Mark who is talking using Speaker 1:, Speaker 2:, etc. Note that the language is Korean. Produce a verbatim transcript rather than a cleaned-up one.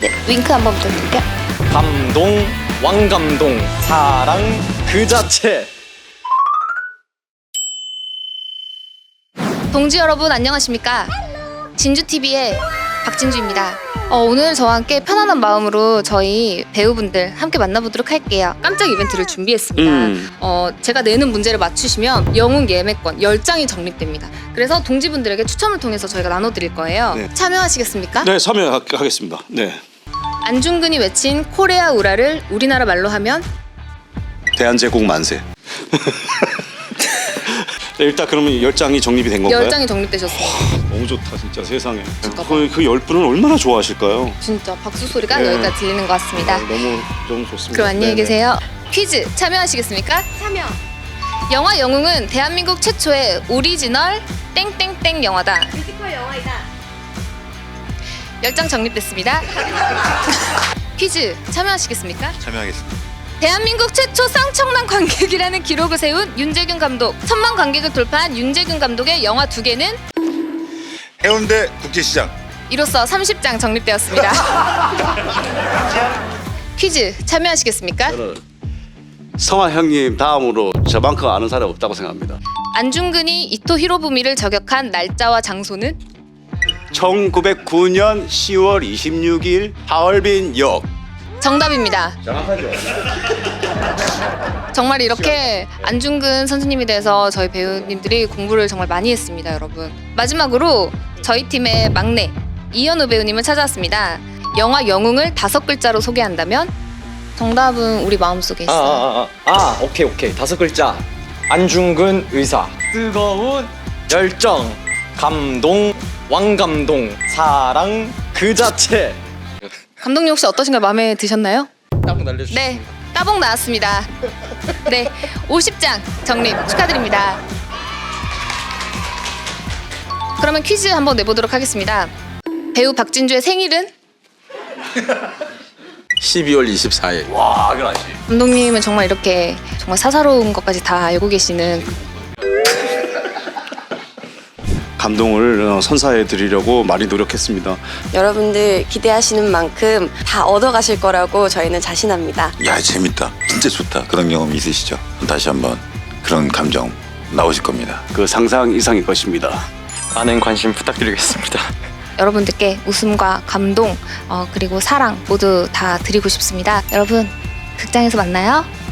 Speaker 1: 네, 윙크 한번 부탁드릴게요.
Speaker 2: 감동, 왕감동, 사랑 그 자체.
Speaker 1: 동지 여러분 안녕하십니까? 진주티비의 박진주입니다. 어, 오늘 저와 함께 편안한 마음으로 저희 배우분들 함께 만나보도록 할게요. 깜짝 이벤트를 준비했습니다.
Speaker 3: 음.
Speaker 1: 어, 제가 내는 문제를 맞추시면 영웅 예매권 열 장이 적립됩니다. 그래서 동지분들에게 추첨을 통해서 저희가 나눠드릴 거예요.
Speaker 3: 네.
Speaker 1: 참여하시겠습니까?
Speaker 3: 네, 참여하겠습니다. 네.
Speaker 1: 안중근이 외친 코레아 우라를 우리나라 말로 하면
Speaker 3: 대한제국 만세. 네, 일단 그러면 열 장이 정립이 된 건가요?
Speaker 1: 열 장이 적립되셨습니다.
Speaker 3: 너무 좋다 진짜 세상에.
Speaker 1: 진짜
Speaker 3: 그, 그 열 분은 얼마나 좋아하실까요?
Speaker 1: 진짜 박수 소리가
Speaker 3: 네.
Speaker 1: 여기까지 들리는 것 같습니다.
Speaker 3: 너무 너무 좋습니다.
Speaker 1: 그럼 안녕히
Speaker 3: 네네.
Speaker 1: 계세요. 퀴즈 참여하시겠습니까? 참여. 영화 영웅은 대한민국 최초의 오리지널 땡땡땡 영화다. 뮤지컬 영화이다. 열 장 적립됐습니다. 퀴즈 참여하시겠습니까?
Speaker 4: 참여하겠습니다.
Speaker 1: 대한민국 최초 쌍청난 관객이라는 기록을 세운 윤재균 감독. 천만 관객을 돌파한 윤재균 감독의 영화 두 개는
Speaker 4: 해운대 국제시장.
Speaker 1: 이로써 삼십 장 적립되었습니다. 퀴즈 참여하시겠습니까?
Speaker 3: 저는 성화 형님 다음으로 저만큼 아는 사람이 없다고 생각합니다.
Speaker 1: 안중근이 이토 히로부미를 저격한 날짜와 장소는
Speaker 3: 천구백구 년 시월 이십육일 하얼빈역.
Speaker 1: 정답입니다.
Speaker 3: 정확하죠.
Speaker 1: 정말 이렇게 안중근 선생님에 대해서 저희 배우님들이 공부를 정말 많이 했습니다, 여러분. 마지막으로 저희 팀의 막내 이현우 배우님을 찾아왔습니다. 영화 영웅을 다섯 글자로 소개한다면 정답은 우리 마음속에
Speaker 2: 아,
Speaker 1: 있어요.
Speaker 2: 아, 아, 아, 오케이, 오케이. 다섯 글자. 안중근 의사. 뜨거운 열정, 감동, 왕감동, 사랑 그 자체.
Speaker 1: 감독님 혹시 어떠신가요? 마음에 드셨나요?
Speaker 2: 딱 날려주세요.
Speaker 1: 네, 따봉 나왔습니다. 네, 오십 장 적립 축하드립니다. 그러면 퀴즈 한번 내보도록 하겠습니다. 배우 박진주의 생일은?
Speaker 5: 십이월 이십사일.
Speaker 3: 와, 이거 아시.
Speaker 1: 감독님은 정말 이렇게 정말 사사로운 것까지 다 알고 계시는
Speaker 3: 감동을 어, 선사해 드리려고 많이 노력했습니다.
Speaker 6: 여러분들 기대하시는 만큼 다 얻어가실 거라고 저희는 자신합니다.
Speaker 4: 야, 재밌다. 진짜 좋다. 그런 경험 있으시죠? 다시 한번 그런 감정 나오실 겁니다.
Speaker 3: 그 상상 이상일 것입니다.
Speaker 2: 많은 관심 부탁드리겠습니다.
Speaker 1: 여러분들께 웃음과 감동 어, 그리고 사랑 모두 다 드리고 싶습니다. 여러분 극장에서 만나요.